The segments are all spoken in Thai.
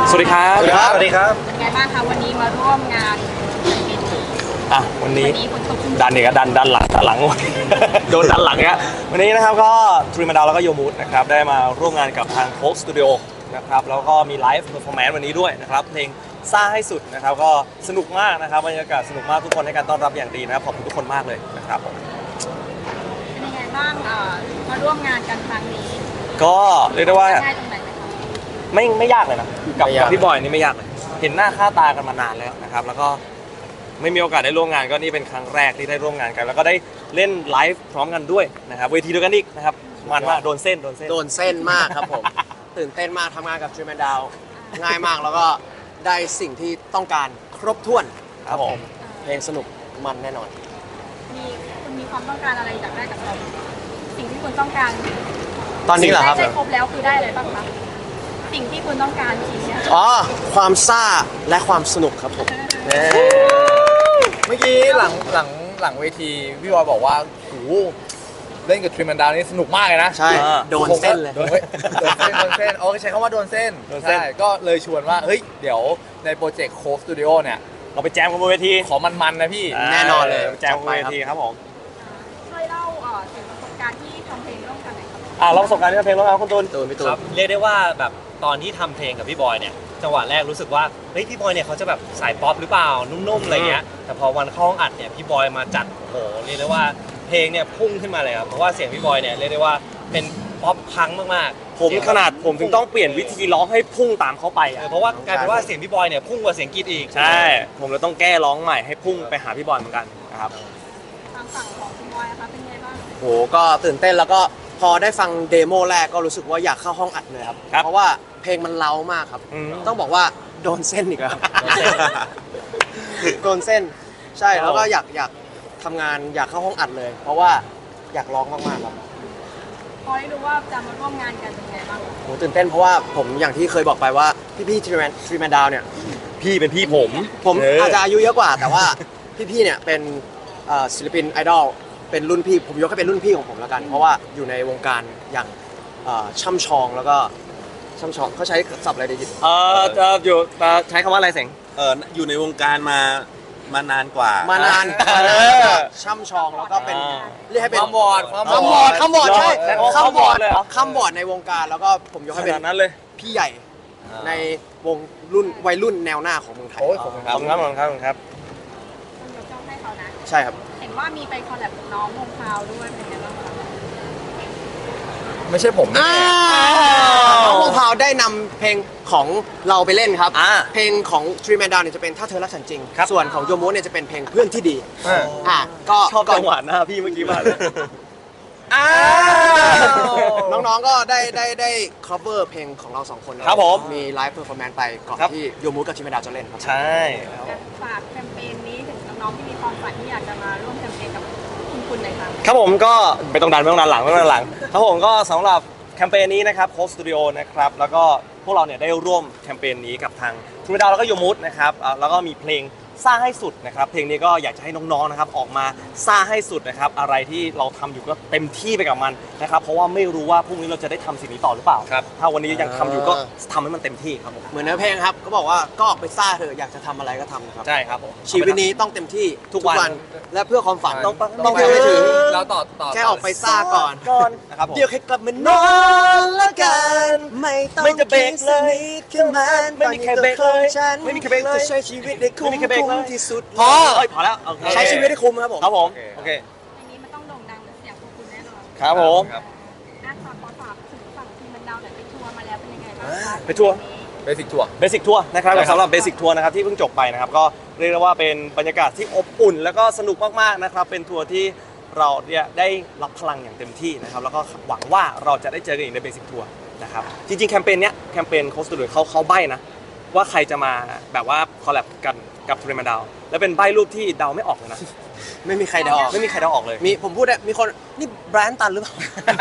สวัสดีครับสวัสดีครับเป็นไงบ้างคะวันนี้มาร่วมงานวันนี้ฝนตกชุ่มดันเนี่ยก็ดันหลัง โดนดันหลังเนี่ยวันนี้นะครับก็ทรีมาดาวแล้วก็โยมูดนะครับได้มาร่วมงานกับทางโค้กสตูดิโอนะครับแล้วก็มีไลฟ์เพอร์ฟอร์แมนซ์วันนี้ด้วยนะครับเพลงซ่าให้สุดนะครับก็สนุกมากนะครับบรรยากาศสนุกมากทุกคนให้การต้อนรับอย่างดีนะครับขอบคุณทุกคนมากเลยนะครับผมเป็นยังไงบ้างมาร่วมงานกันครั้งนี้ก็เรียกได้ว่าง่ายตรงไหนไหมคะไม่ยากเลยนะกับพี่บอยนี่ไม่ยากเลยเห็นหน้าค่าตากันมานานแล้วนะครับแล้วก็ไม่มีโอกาสได้ร่วมงานก็นี่เป็นครั้งแรกที่ได้ร่วมงานกันแล้วก็ได้เล่นไลฟ์พร้อมกันด้วยนะครับเวทีเดียวกันอีกนะครับมันมากโดนเส้นมากครับผมตื่นเต้นมากทำงานกับทรีแมนดาวง่ายมากแล้วก็ได้สิ่งที่ต้องการครบถ้วนครับผมเพลงสนุกมันแน่นอนคุณมีความต้องการอะไรอยากได้จากเราสิ่งที่คุณต้องการตอนนี้เหรอครับได้ครบแล้วคือได้อะไรบ้างคะสิ่งที่คุณต้องการทีนี้ความซ่าและความสนุกครับผมเมื่อกี้หลังเวทีพี่บอยบอกว่าโหเล่นกับทรีมันดาวนี่สนุกมากเลยนะใช่โดนเส้นเลยโดนเส้นโอ้ใช้คำว่าโดนเส้นใช่ก็เลยชวนว่าเฮ้ยเดี๋ยวในโปรเจกต์โค้กสตูดิโอเนี่ยเราไปแจมกันบนเวทีขอมันๆนะพี่แน่นอนเลยแจมบนเวทีครับผมช่วยเล่าถึงประสบการณ์ที่ทำเพลงร่วมกันหน่อยครับเราประสบการณ์ที่ทำเพลงร่วมกันคุณตูนครับเรียกได้ว่าแบบตอนที่ทำเพลงกับพี่บอยเนี่ยจังหวะแรกรู้สึกว่าเฮ้ยพี่บอยเนี่ยเขาจะแบบสายป๊อปหรือเปล่านุ่มๆอะไรเงี้ยแต่พอวันเข้าห้องอัดเนี่ยพี่บอยมาจัดโอ้โหเรียกได้ว่าเพลงเนี่ยพุ่งขึ้นมาเลยครับเพราะว่าเสียงพี่บอยเนี่ยเรียกได้ว่าเป็นป๊อปพังมากๆผมขนาดผมถึงต้องเปลี่ยนวิธีร้องให้พุ่งตามเขาไปเพราะว่ากลายเป็นว่าเสียงพี่บอยเนี่ยพุ่งกว่าเสียงกรีดอีกใช่ผมเลยต้องแก้ร้องใหม่ให้พุ่งไปหาพี่บอยเหมือนกันนะครับทางฝั่งของคุณบอยนะคะเป็นไงบ้างโหก็ตื่นเต้นแล้วก็พอได้ฟังเดโมแรกก็รู้สึกว่าอยากเข้าห้องอัดเลยครับเพราะว่าเพลงมันเล้ามากครับต้องบอกว่าโดนเส้นอีกแล้วโดนเส้นใช่แล้วก็อยากทำงานอยากเข้าห้องอัดเลย เพราะว่าอยากร้องมากๆครับพอได้รู้ว่าจะมาร่วมงานกันเป็นไงบ้างโหตื่นเต้นเพราะว่าผมอย่างที่เคยบอกไปว่าพี่ทรีแมนดาวเนี่ยพี่เป็นพี่ผมอาจจะอายุเยอะกว่าแต่ว่าพี่เนี่ยเป็นศิลปินไอดอลเป็นรุ่นพี่ผมยกให้เป็นรุ่นพี่ของผมแล้วกันเพราะว่าอยู่ในวงการอย่างช่ำชองแล้วก็ช่ำชองเขาใช้ศัพท์อะไรดีอยู่ใช้คำว่าอะไรเสงอยู่ในวงการมานานกว่ามานานช่ำชองแล้วก็เป็นเรียกให้เป็นคำบอร์ดใช่คำบอร์ดในวงการแล้วก็ผมยกให้เป็นนั้นเลยพี่ใหญ่ในวงรุ่นวัยรุ่นแนวหน้าของเมืองไทยขอบคุณครับคุณยกย่องให้เขานะใช่ครับเห็นว่ามีไปคอลแลบกับน้องวงพาวด้วยเป็นไงบ้างคะไม่ใช่ผมน้องวงพาวได้นำเพลงของเราไปเล่นครับเพลงของทรีแมนดาวเนี่ยจะเป็นถ้าเธอรักฉันจริงส่วนของโยโมเนี่ยจะเป็นเพลงเพื่อนที่ดีก็ชอบจังหวะหน้าพี่เมื่อกี้มากเลยน้องๆก็ได้ cover เพลงของเราสองคนครับผมมีไลฟ์เพอร์ฟอร์แมนซ์ไปก่อนที่โยมูกับทรีแมนดาวจะเล่นครับใช่ฝากแคมเปญนี้ถึงน้องๆที่มีความฝันที่อยากจะมาร่วมแคมเปญกับคุณหน่อยครับครับผมก็ไม่ต้องดันหลังครับผมก็สำหรับแคมเปญนี้นะครับโค้ชสตูดิโอนะครับแล้วก็พวกเราเนี่ยได้ร่วมแคมเปญนี้กับทางทรีดาวแล้วก็โยมูดนะครับแล้วก็มีเพลงซ่าให้สุดนะครับเพลงนี้ก็อยากจะให้น้องๆนะครับออกมาซ่าให้สุดนะครับอะไรที่เราทำอยู่ก็เต็มที่ไปกับมันนะครับเพราะว่าไม่รู้ว่าพรุ่งนี้เราจะได้ทำสิ่งนี้ต่อหรือเปล่าถ้าวันนี้ยังทำอยู่ก็ทำให้มันเต็มที่ครับผมเหมือนเนื้อเพลงครับก็บอกว่าก็ออกไปซ่าเถอะอยากจะทำอะไรก็ทำครับใช่ครับผมชีวิตนี้ต้องเต็มที่ทุกวันและเพื่อความฝันต้องไปให้ถึงเราต่อแค่ออกไปซ่าก่อนนะครับเดี๋ยวแค่กลับมานอนละกันไม่จะเบรกเลยขึ้นมาไม่มีใครเบรกเลยไม่มีใครเบรกเลยจะใช้ชีวิตได้คุ้มที่สุดพอแล้วใช้ชีวิตให้คุ้มครับผมโอเคอันนี้มันต้องโด่งดังเสียงของคุณแน่นอนครับผมฝากถึงฝั่งทีมมันดาวหน่อยไปทัวร์มาแล้วเป็นยังไงบ้างคะไปทัวร์เบสิกทัวร์นะครับสำหรับเบสิกทัวร์นะครับที่เพิ่งจบไปนะครับก็เรียกได้ว่าเป็นบรรยากาศที่อบอุ่นแล้วก็สนุกมากๆนะครับเป็นทัวร์ที่เราเนี่ยได้รับพลังอย่างเต็มที่นะครับแล้วก็หวังว่าเราจะได้เจอกันอีกในเบสิกทัวร์นะครับจริงๆแคมเปญเนี้ยแคมเปญโค้ชสตูดิโอเขาใบ้นะว่าใครจะมาแบบว่าคอลแลบกันกับทรีแมนดาวแล้วเป็นใบ้รูปที่เดาไม่ออกเลยนะไม่มีใครเดาออกเลยมีผมพูดได้มีคนนี่แบรนด์ตันหรือเปล่า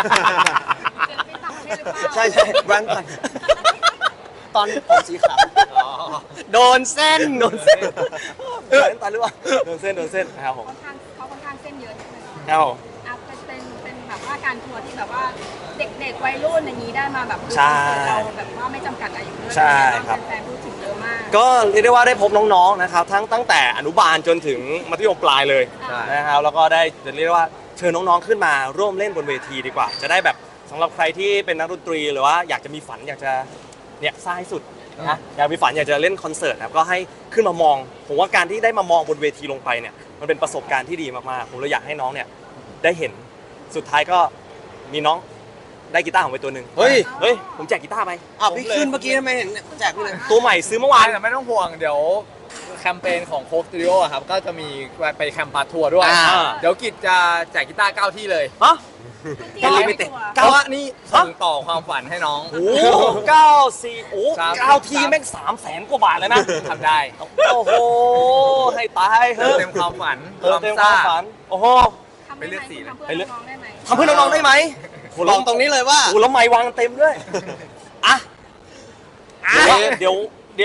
ใช่แบรนด์ตันตอนผมสีขาวโดนเส้นแบรนด์ตันหรือเปล่าโดนเส้นนะครับผมเขาค่อนข้างเส้นเยอะนิดนึงครับผมเป็นแบบแบบว่าการทัวร์ที่แบบว่าเด็กๆวัยรุ่นอย่างนี้ได้มาแบบดูใช่คอนเสิร์ตเราแบบว่าไม่จำกัดอายุด้วยใช่ครับแฟนๆพูดถึงเยอะมากก็เรียกได้ว่าได้พบน้องๆนะครับตั้งแต่อนุบาลจนถึงมัธยมปลายเลยใช่นะครับแล้วก็ได้จะเรียกได้ว่าเชิญน้องๆขึ้นมาร่วมเล่นบนเวทีดีกว่า จะได้แบบสำหรับใครที่เป็นนักดนตรีหรือว่าอยากจะมีฝันอยากจะเนี่ยสร้างให้สุดนะอยากมีฝันอยากจะเล่นคอนเสิร์ตนะครับก็ให้ขึ้นมามองผมว่าการที่ได้มามองบนเวทีลงไปเนี่ยมันเป็นประสบการณ์ที่ดีมากๆผมเลยอยากให้น้องเนี่ยได้เห็นสุดท้ายก็มีน้องได้กีตาร์ของไปตัวหนึ่งเฮ้ยเฮ้ยผมแจกกีตาร์ไปอ้าวพี่ขึ้นเมื่อกี้ทำไมเห็นแจกพี่เลยตัวใหม่ซื้อเมื่อวานแต่ไม่ต้องห่วงเดี๋ยวแคมเปญของโค้กสตูดิโอครับก็จะมีไปแคมป์ปาทัวร์ด้วยอ่าเดี๋ยวกิจจะแจกกีตาร์9ที่เลยฮะจริงๆลิไม่มิเต็ดกลัวเพราะว่านี่ส่งต่อความฝันให้น้องโอ้โห94โอ้ครับ 9ทีแม่ง300,000 กว่าบาทเลยนะทำได้โอ้โห ให้ตายเฮ้ยเต็มความฝันเต็มความฝัน โอ้โหทำไปเลือกสีเลยทำเพื่อน้องๆได้ไหมทำเพื่อน้องๆได้ไหมโหลองตรงนี้เลยว่าโอ้โหแล้วไม้วางเต็มด้วย อ่ะ เดี๋ยว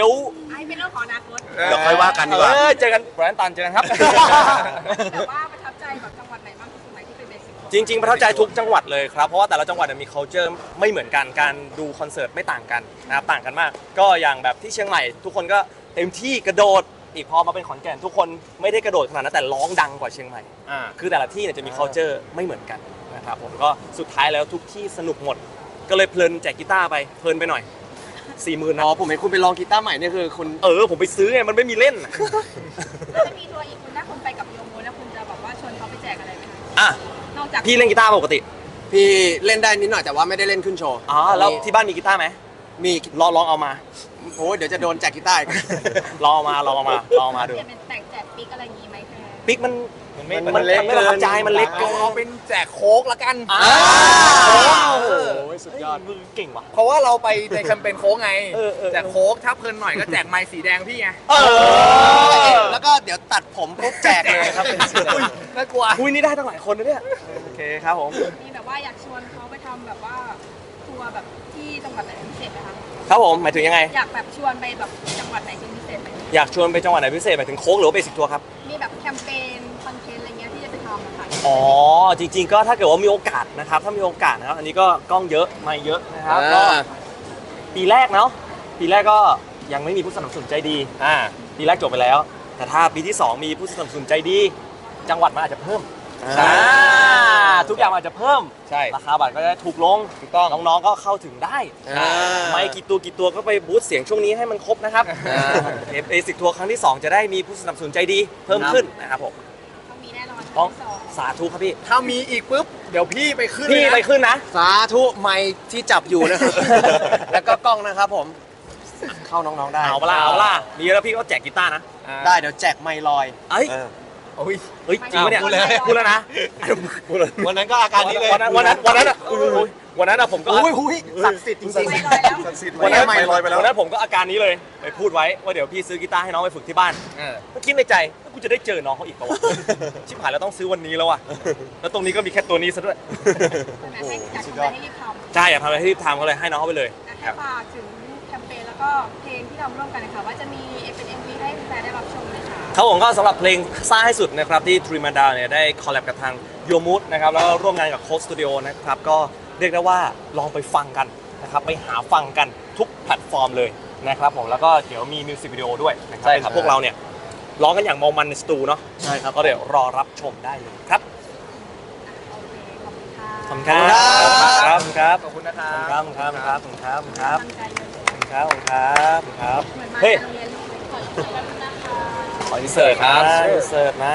ไอ้เป็นเรื่องของอนาคตเดี๋ยวค่อยว่ากันดีกว่าเจอกันแบรนด์ตันเจอกันครับแต่ว่าประทับใจแบบจังหวัดไหนบ้างที่สุดไหมที่เป็นเบสิกจริง ๆ ประทับใจทุกจังหวัดเลยครับ เพราะว่าแต่ละจังหวัดมี culture ไม่เหมือนกัน การดูคอนเสิร์ตไม่ต่างกันนะครับ ต่างกันมาก ก็อย่างแบบที่เชียงใหม่ ทุกคนก็เต็มที่กระโดด อีกพอมาเป็นขอนแก่นทุกคนไม่ได้กระโดดขนาดนั้นแต่ร้องดังกว่าเชียงใหม่ คือแต่ละที่เนี่ยจะมี culture ไม่เหมือนกันนะครับผมก็สุดท้ายแล้วทุกที่สนุกหมด ก็เลยเพลินแจกกีตาร์ไปเพลินไปหน่อย 40,000 อ๋นะอผมเห็นคุณไปลองกีตาร์ใหม่นี่คือคุณผมไปซื้อไงมันไม่มีเล่นอะแล้วจะมีทัวร์อีกคุณถ้าคุณไปกับโยโมแล้วคุณจะแบบว่าชวนเขาไปแจกอะไรไหมคะอ่ะนอกจากพี่เล่นกีตาร์ปกติพี่เล่นได้นิดหน่อยแต่ว่าไม่ได้เล่นขึ้นโชว์อ๋อแล้วที่บ้านมีกีตาร์ไหมมีลองเอามาโอ้ยเดี๋ยวจะโดนแจกกีตาร์อีกลองเอามาดูจะเป็นแจกปิ๊กอะไรอย่างงี้ไหมแค่ปิ๊กมันมันมันเล็กไม่ประทับใจมันเล็กเอาเกินเอาเป็นแจกโค้กละกันอ้าโอ้วโหสุดยอดมือเก่งว่ะเพราะว่าเราไปในแคมเปญโค้กไงเออแจกโค้กถ้าเพลินหน่อยก็แจกไมค์สีแดงพี่ไงแล้วก็เดี๋ยวตัดผมปุ๊บแจกเลยครับเป็นสีแดงน่ากลัวคุยนี่ได้ตั้งหลายคนนะเนี่ยโอเคครับผมมีแบบว่าอยากชวนเขาไปทำแบบว่าทัวร์แบบที่จังหวัดไหนเป็นพิเศษไหมคะครับผมหมายถึงยังไงอยากแบบชวนไปแบบจังหวัดไหนเป็นพิเศษไหมอยากชวนไปจังหวัดไหนพิเศษหมายถึงโค้กหรือว่าเบสิกทัวร์ครับมีแบบแคมเปญคอนเทนต์อะไรเงี้ยที่จะไปทำนะคะอ๋อจริงๆก็ถ้าเกิดว่ามีโอกาสนะครับถ้ามีโอกาสนะครับอันนี้ก็กล้องเยอะไม่เยอะนะครับก็ปีแรกเนาะปีแรกก็ยังไม่มีผู้สนับสนุนใจดีปีแรกจบไปแล้ว แต่ถ้าปีที่ 2 มีผู้สนับสนุนใจดี จังหวัดมันอาจจะเพิ่มทุกอย่างมันอาจจะเพิ่มใช่ราคาบัตรก็จะถูกลงถูกต้องน้องๆก็เข้าถึงได้ ไม่กี่ตัวก็ไปบูสต์เสียงช่วงนี้ให้มันครบนะครับเบสิกทัวร์ครั้งที่ 2 จะได้มีผู้สนับสนุนใจดีเพิ่มขึ้นนะครับผมต้องมีแน่นอนต้องที่สองสาธุครับพี่ถ้ามีอีกปุ๊บ เดี๋ยวพี่ไปขึ้นพี่เลยนะไปขึ้นนะสาธุไมค์ที่จับอยู่นะครับ แล้วก็กล้องนะครับผม เข้าน้องๆได้เอาเปะล่าเอาเปะล่ามีแล้วพี่ก็แจกกีตาร์นะได้เดี๋ยวแจกไมค์ลอยเอ้ยโอ้ยเฮ้ยจริงปะเนี่ยพูดเลยพูดแล้วนะพูดเลยวันนั้นก็อาการนี้เลยวันนั้นอะวันนั้นอะผมก็อุ้ยศักดิ์สิทธิ์จริงไปลอยแล้ววันนั้นไม่ลอยไปแล้ววันนั้นผมก็อาการนี้เลยไปพูดไว้ว่าเดี๋ยวพี่ซื้อกีตาร์ให้น้องไปฝึกที่บ้านก็คิดในใจว่ากูจะได้เจอน้องเขาอีกปะวะชิบหายแล้วต้องซื้อวันนี้แล้วว่ะแล้วตรงนี้ก็มีแค่ตัวนี้ซะด้วยใช่ไหมให้อยากทำอะไรให้รีบทำใช่อยากทำอะไรให้รีบทำก็เลยให้น้องเขาไปเลยให้ฝากถึงแคมเปญแล้วก็เพลงที่เราร่วมกันนะคะว่าจะมีเป็น MV ให้แฟนๆได้รับชมเลยค่ะครับผมก็สำหรับเพลงซ่าให้สุดนะครับที่ทรีมาดาเนี่ยได้คอลแลบกับทางโยมูดนะครับแล้วก็ร่วมงานกับโค้ชสตูดิโอนะครับก็เรียกได้ว่าลองไปฟังกันนะครับไปหาฟังกันทุกแพลตฟอร์มเลยนะครับผมแล้วก็เดี๋ยวมีมิวสิกวิดีโอด้วยนะครับเป็นพวกเราเนี่ยร้องกันอย่างเมามันในสตูเนาะๆ ใช่ครับก็เดี๋ยวรอรับชมได้เลยครับโอเคขอบคุณค่ะขอบคุณครับครับขอบคุณนะครัขอบคุณครับบครับขอบคุณครับขอบคุณครับตั้งใจเลยขอบคุณครับขอบคุณครับขอบคุณครับเหมือนมาเฮ้ยโรงเรียนลูกขอขอบคุณนะคะขออินเสิร์ตครับอินเสิร์ตนะ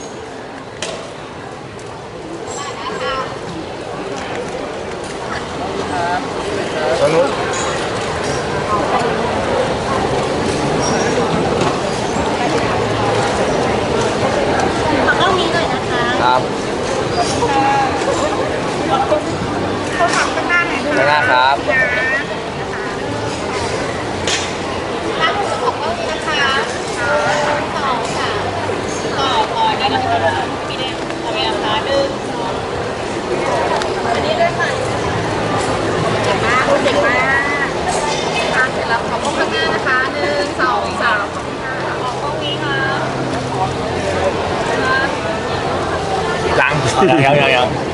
สนุกขอกล้องนี้หน่อยนะคะครับเขาทำข้างหน้าหน่อยค่ะข้างหน้าครับตั้งหัวของกล้องนี้นะคะสองค่ะต่อได้แล้วค่ะมีแดงขอเวลาค่ะ1 2อันนี้ด้วยค่ะเก่งมากเก่งมากทานเสร็จแล้วขอกล้องข้างหน้านะคะ1 2 3ขอบคุณค่ะขอกล้องนี้ค่ะยัง